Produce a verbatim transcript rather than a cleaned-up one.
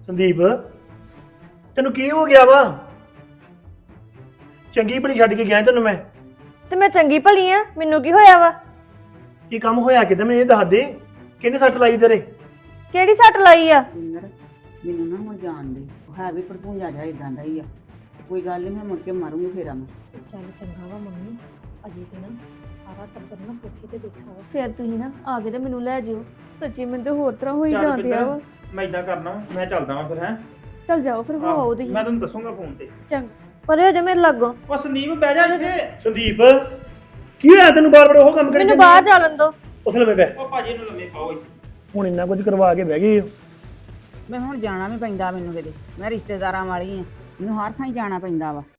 ਸੰਦੀਪ ਤੈਨੂੰ ਕੀ ਹੋ ਗਿਆ ਵਾ? ਚੰਗੀ ਭਲੀ ਛੱਡ ਕੇ ਗਿਆ ਤੈਨੂੰ ਮੈਂ। ਤੇ ਮੈਂ ਚੰਗੀ ਭਲੀ ਆ, ਮੈਨੂੰ ਕੀ ਹੋਇਆ ਵਾ? ਕੀ ਕੰਮ ਹੋਇਆ ਕਿਤੇ ਮੈਨੂੰ ਇਹ ਦੱਸ ਦੇ। ਕਿਹਨੇ ਸੱਟ ਲਾਈ ਤੇਰੇ? ਕਿਹੜੀ ਸੱਟ ਲਾਈ ਆ? ਪਿੰਦਰ ਮੈਨੂੰ ਨਾ ਹੁਣ ਜਾਣ ਦੇ, ਉਹ ਹੈ ਵੀ ਭੜਪੂੰਜਾ ਜਾ ਇਦਾਂ ਦਾ ਹੀ ਆ। ਕੋਈ ਗੱਲ ਨਹੀਂ, ਮੈਂ ਮੁੜ ਕੇ ਮਾਰੂੰਗੀ ਫੇਰਾ ਮੈਂ। ਚੱਲ ਚੰਗਾ ਵਾ ਮੰਮੀ, ਅਜੇ ਤੇ ਨਾ ਸਾਰਾ ਟੱਬਰ ਨਾ ਕੋਠੇ ਤੇ ਬੈਠਾ ਵਾ। ਫਿਰ ਤੁਸੀਂ ਨਾ ਆ ਕੇ ਤੇ ਮੈਨੂੰ ਲੈ ਜਿਓ। ਸੱਚੀ ਮੈਨੂੰ ਤੇ ਹੋਰ ਤਰ੍ਹਾਂ ਹੋਈ ਚੱਲ ਜਾਂਦੇ ਆ ਪਿੰਦਰ, ਵਾ। ਮੈਂ ਇਦਾਂ ਕਰਨਾ ਵਾ, ਮੈਂ ਚੱਲਦਾ ਵਾਂ ਫਿਰ ਹੈ। ਚੱਲ ਜਾਓ ਫਿਰ, ਹੋ ਆਓ ਤੁਸੀਂ। ਮੈਂ ਤੈਨੂੰ ਦੱਸੂਗਾ ਫੋਨ ਤੇ। ਚੰਗਾ, ਪਰੇ ਹੋ ਜਾ ਮੇਰੇ ਲਾਗੋਂ। ਉਹ ਸੰਦੀਪ ਬਹਿ ਜਾ ਇੱਥੇ। ਸੰਦੀਪ ਕੀ ਹੋਇਆ ਤੈਨੂੰ? ਬਾਰ ਬਾਰ ਉਹ ਕੰਮ ਕਰੀ ਮੈਨੂੰ ਬਾਹਰ ਚੱਲਣ ਦੋ। ਉਸ ਲੰਮੇ ਪੈ। ਉਹ ਭਾਜੀ ਨੂੰ ਲੰਮੇ ਪਾਓ ਇੱਥੇ। ਹੁਣ ਇੰਨਾ ਕੁਝ ਕਰਵਾ ਕੇ ਬਹਿ ਗਏ ਹੋ। ਮੈਂ ਹੁਣ ਜਾਣਾ ਵੀ ਪੈਂਦਾ ਮੈਨੂੰ ਕਿਤੇ, ਮੈਂ ਰਿਸ਼ਤੇਦਾਰਾਂ ਵਾਲੀ ਆ, ਮੈਨੂੰ ਹਰ ਥਾਂ ਹੀ ਜਾਣਾ ਪੈਂਦਾ ਵਾ।